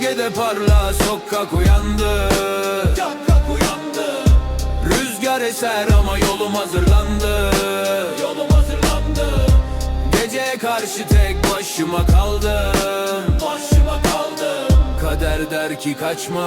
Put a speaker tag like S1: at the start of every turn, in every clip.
S1: Gölgede parla sokak uyandı. Sokak uyandı. Rüzgar eser ama yolum hazırlandı. Yolum hazırlandı. Geceye karşı tek başıma kaldım. Başıma kaldım. Kader der ki kaçma,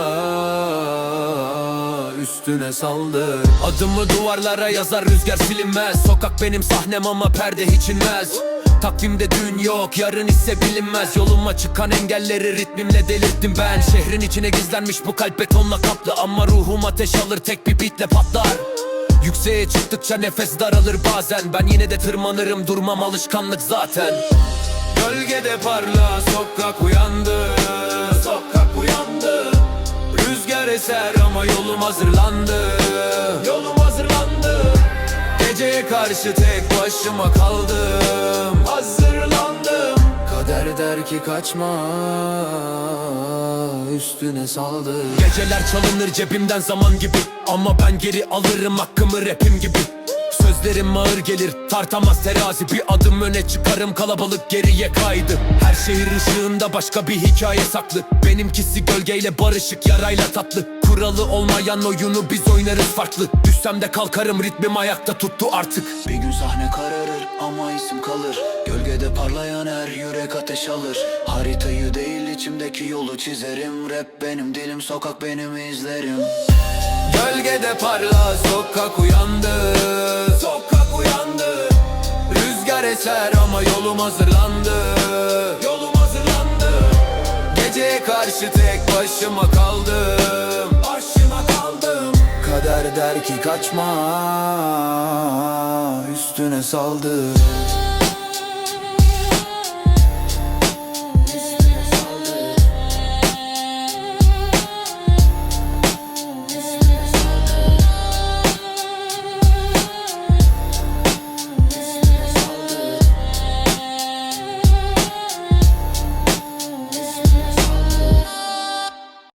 S1: üstüne saldır. Adımı duvarlara yazar, rüzgar silinmez. Sokak benim sahnem ama perde hiç inmez. Takvimde dün yok, yarın ise bilinmez. Yoluma çıkan engelleri ritmimle delirttim ben. Şehrin içine gizlenmiş bu kalp betonla kaplı. Ama ruhum ateş alır, tek bir beatle patlar. Yükseğe çıktıkça nefes daralır bazen. Ben yine de tırmanırım, durmam alışkanlık zaten. Gölgede parla sokak uyandı. Sokak uyandı. Rüzgar eser ama yolum hazırlandı. Yolum hazırlandı. Geceye karşı tek başıma kaldım. Hazırlandım. Kader der ki kaçma, üstüne saldır. Geceler çalınır cebimden zaman gibi, ama ben geri alırım hakkımı rapim gibi. Sözlerim ağır gelir, tartamaz terazi. Bir adım öne çıkarım, kalabalık geriye kaydı. Her şehir ışığında başka bir hikaye saklı. Benimkisi gölgeyle barışık, yarayla tatlı. Kuralı olmayan oyunu biz oynarız farklı. Düşsem de kalkarım, ritmim ayakta tuttu artık.
S2: Bir gün sahne kararır ama isim kalır. Gölgede parlayan her yürek ateş alır. Haritayı değil içimdeki yolu çizerim. Rap benim dilim, sokak benim izlerim.
S1: Gölgede parla sokak uyandı. Sokak uyandı. Rüzgar eser ama yolum hazırlandı. Yolum hazırlandı. Geceye karşı tek başıma kaldım. Başıma kaldım. Kader der ki kaçma, üstüne saldır.